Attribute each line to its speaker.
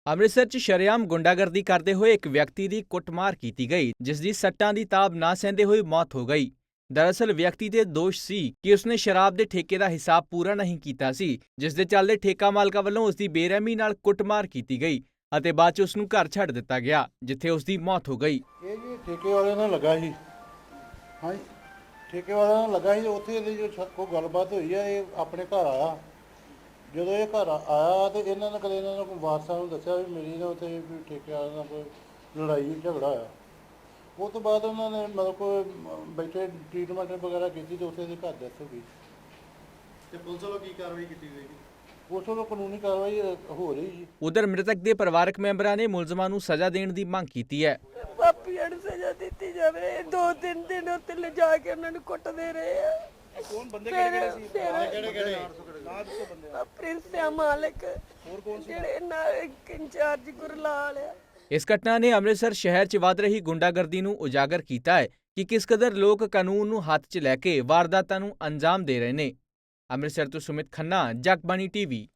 Speaker 1: ਅੰਮ੍ਰਿਤਸਰ 'ਚ ਸ਼ਰੇਆਮ ਗੁੰਡਾਗਰਦੀ ਕਰਦੇ ਹੋਏ ਇੱਕ ਵਿਅਕਤੀ ਦੀ ਕੁੱਟਮਾਰ ਕੀਤੀ ਗਈ, ਜਿਸ ਦੀ ਸੱਟਾਂ ਦੀ ਤਾਬ ਨਾ ਸਹਿੰਦੇ ਹੋਏ ਮੌਤ ਹੋ ਗਈ। ਦਰਅਸਲ ਵਿਅਕਤੀ ਦੇ ਦੋਸ਼ ਸੀ ਕਿ ਉਸਨੇ ਸ਼ਰਾਬ ਦੇ ਠੇਕੇ ਦਾ ਹਿਸਾਬ ਪੂਰਾ ਨਹੀਂ ਕੀਤਾ ਸੀ, ਜਿਸ ਦੇ ਚੱਲਦੇ ਠੇਕਾ ਮਾਲਕਾਂ ਵੱਲੋਂ ਉਸਦੀ ਬੇਰਹਿਮੀ ਨਾਲ ਕੁੱਟਮਾਰ ਕੀਤੀ ਗਈ ਅਤੇ ਬਾਅਦ 'ਚ ਉਸ ਨੂੰ ਘਰ ਛੱਡ ਦਿੱਤਾ ਗਿਆ, ਜਿੱਥੇ ਉਸਦੀ ਮੌਤ ਹੋ ਗਈ।
Speaker 2: ਇਹ ਜੀ ਠੇਕੇ ਵਾਲਿਆਂ ਨਾਲ ਲੱਗਾ ਸੀ। ਹਾਂਜੀ, ਠੇਕੇ ਵਾਲਿਆਂ ਨਾਲ ਲੱਗਾ ਸੀ। ਉੱਥੇ ਇਹਦੀ ਜੋ ਕੋਈ ਗੱਲਬਾਤ ਹੋਈ ਆ, ਇਹ ਆਪਣੇ ਘਰ ਆਇਆ। ਜਦੋਂ ਇਹ ਘਰ ਆਇਆ ਤੇ ਇਹਨਾਂ ਨੇ ਕਦੇ ਇਹਨਾਂ ਨੂੰ ਵਾਰਸਾਂ ਨੂੰ ਦੱਸਿਆ ਵੀ ਮੇਰੀ ਨਾ ਉੱਥੇ ਵੀ ਠੇਕੇ ਵਾਲਿਆਂ ਨਾਲ ਕੋਈ ਲੜਾਈ ਝਗੜਾ ਹੋਇਆ। ਉਹ ਤੋਂ ਬਾਅਦ ਉਹਨਾਂ ਨੇ ਮਤਲਬ ਕੋਈ ਬੈਠੇ ਟ੍ਰੀਟਮੈਂਟ ਵਗੈਰਾ ਕੀਤੀ ਤੇ ਉੱਥੇ ਇਹਦੀ ਘਰ ਡੈਥ ਹੋ ਗਈ।
Speaker 3: ਤੇ ਪੁਲਿਸ ਵੱਲੋਂ ਕੀ ਕਾਰਵਾਈ ਕੀਤੀ ਗਈ?
Speaker 2: ਉਸ ਵੱਲੋਂ ਕਾਨੂੰਨੀ ਕਾਰਵਾਈ ਹੋ ਰਹੀ ਜੀ।
Speaker 1: ਉਧਰ ਮ੍ਰਿਤਕ ਦੇ ਪਰਿਵਾਰਕ ਮੈਂਬਰਾਂ ਨੇ ਮੁਲਜ਼ਮਾਂ ਨੂੰ ਸਜ਼ਾ ਦੇਣ ਦੀ ਮੰਗ ਕੀਤੀ ਹੈ।
Speaker 4: ਪਾਪੀਆਂ ਨੂੰ ਸਜ਼ਾ ਦਿੱਤੀ ਜਾਵੇ। 2-3 ਦਿਨ ਉੱਤੇ ਲਿਜਾ ਕੇ ਉਹਨਾਂ ਨੂੰ ਕੁੱਟਦੇ ਰਹੇ ਆ।
Speaker 3: ਕੌਣ ਬੰਦੇ ਕਿਹੜੇ ਸੀ? ਕਿਹੜੇ
Speaker 4: ਨਾਂ ਦੱਸੋ ਬੰਦੇ। ਪ੍ਰਿੰਸ ਆ, ਮਾਲਕ।
Speaker 3: ਹੋਰ ਕੌਣ ਸੀ?
Speaker 4: ਜਿਹੜੇ ਨਾਲ ਇੰਚਾਰਜ ਗੁਰਲਾਲ ਆ।
Speaker 1: ਇਸ ਘਟਨਾ ਨੇ ਅੰਮ੍ਰਿਤਸਰ ਸ਼ਹਿਰ 'ਚ ਵੱਧ ਰਹੀ ਗੁੰਡਾਗਰਦੀ ਨੂੰ ਉਜਾਗਰ ਕੀਤਾ ਹੈ ਕਿ ਕਿਸ ਕਦਰ ਲੋਕ ਕਾਨੂੰਨ ਨੂੰ ਹੱਥ 'ਚ ਲੈ ਕੇ ਵਾਰਦਾਤਾਂ ਨੂੰ ਅੰਜਾਮ ਦੇ ਰਹੇ ਨੇ। ਅੰਮ੍ਰਿਤਸਰ ਤੋਂ ਸੁਮਿਤ ਖੰਨਾ, ਜਗਬਾਣੀ ਟੀਵੀ।